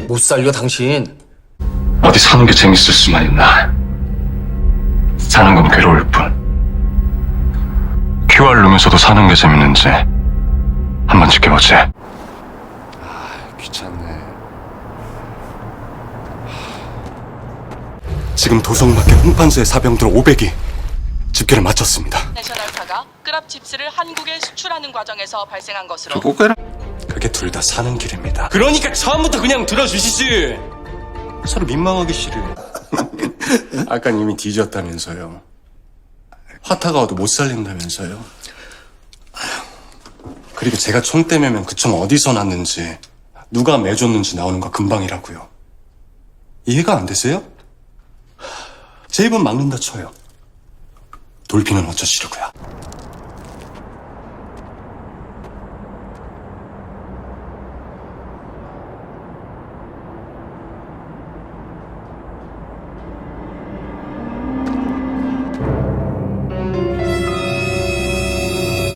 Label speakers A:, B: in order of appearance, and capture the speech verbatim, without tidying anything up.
A: 못 살려 당신.
B: 어디 사는 게 재밌을 수만 있나. 사는 건 괴로울 뿐. 큐알 룸에서도 사는 게 재밌는지 한번 지켜보지.
C: 귀찮네. 지금 도성밖에 홍판소의 사병들 오백이 집결을 마쳤습니다.
D: 내셔널사가 끄랍 칩스를 한국에 수출하는 과정에서 발생한 것으로
C: 꼬꼬라? 그게 둘 다 사는 길입니다.
A: 그러니까 처음부터 그냥 들어주시지.
C: 서로 민망하기 싫어요. 아깐 이미 뒤졌다면서요. 화타가 와도 못 살린다면서요. 그리고 제가 총 떼매면 그 총 어디서 났는지 누가 매줬는지 나오는 거 금방이라고요. 이해가 안 되세요? 제 입은 막는다 쳐요. 돌피는 어쩌시려고요.